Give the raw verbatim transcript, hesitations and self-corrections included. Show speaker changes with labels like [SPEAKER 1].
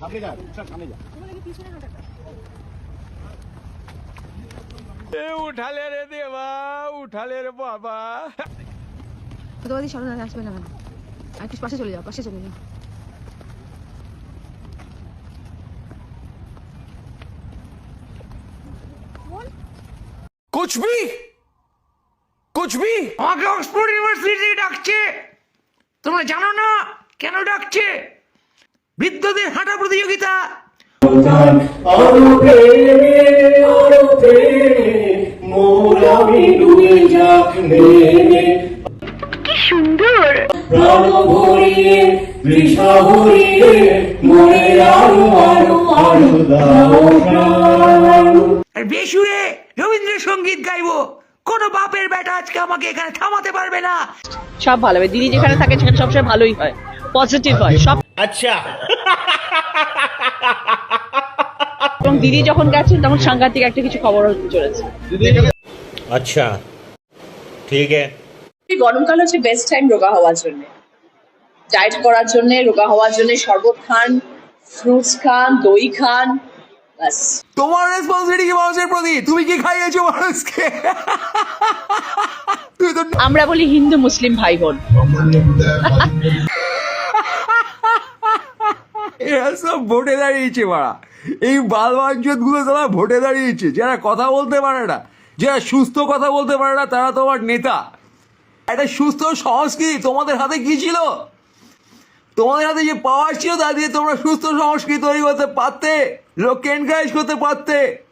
[SPEAKER 1] উঠালে রে দেবা, উঠালে রে বাবা।
[SPEAKER 2] তোমাদের সামনে আসবে না, আর একটু পাশে চলে যাও, পাশে চলে যাও।
[SPEAKER 1] कुछ भी कुछ भी আমাকে অক্সফোর্ড ইউনিভার্সিটি ডাকছে, তোমরা জানো না কেন ডাকছে? বৃদ্ধদের হাঁটা প্রতিযোগিতা।
[SPEAKER 2] কি সুন্দর
[SPEAKER 1] আর বেসুরে রবীন্দ্রসঙ্গীত গাইবো। কোনো বাপের বেটা আজকে আমাকে এখানে থামাতে পারবে না।
[SPEAKER 3] সব ভালো হবে, দিদি যেখানে থাকে সেখানে সবসময় ভালোই হয়, পজিটিভ হয় সব।
[SPEAKER 1] আচ্ছা,
[SPEAKER 3] এবং দিদি যখন গেছেন তখন সাংঘাতিক একটা কিছু খবর হতে চলেছে।
[SPEAKER 4] আচ্ছা ঠিক আছে।
[SPEAKER 3] গরমকাল হচ্ছে বেস্ট টাইম রোগা হওয়ার জন্য, ডায়েট করার জন্য, রোগা হওয়ার জন্য শরবত খান, ফ্রুটস খান, দই খান, বাস।
[SPEAKER 1] তোমার রেসপন্সিবিলিটি কি মানুষের প্রতি? তুমি কি খাইয়েছো মানুষকে? তুই তো
[SPEAKER 3] আমরা বলি হিন্দু মুসলিম ভাই বোন।
[SPEAKER 1] এরা সব ভোটে দাঁড়িয়েছে মারা, এই বালবাঞ্চত গুলো তারা ভোটে দাঁড়িয়েছে। যারা কথা বলতে পারে না, যারা সুস্থ কথা বলতে পারে না, তারা তোমার নেতা। একটা সুস্থ সংস্কৃতি তোমাদের হাতে কি ছিল? তোমাদের হাতে যে পাওয়ার ছিল তা দিয়ে তোমরা সুস্থ সংস্কৃতি তৈরি করতে পারতে, লোককে এনকারেজ করতে পারতে।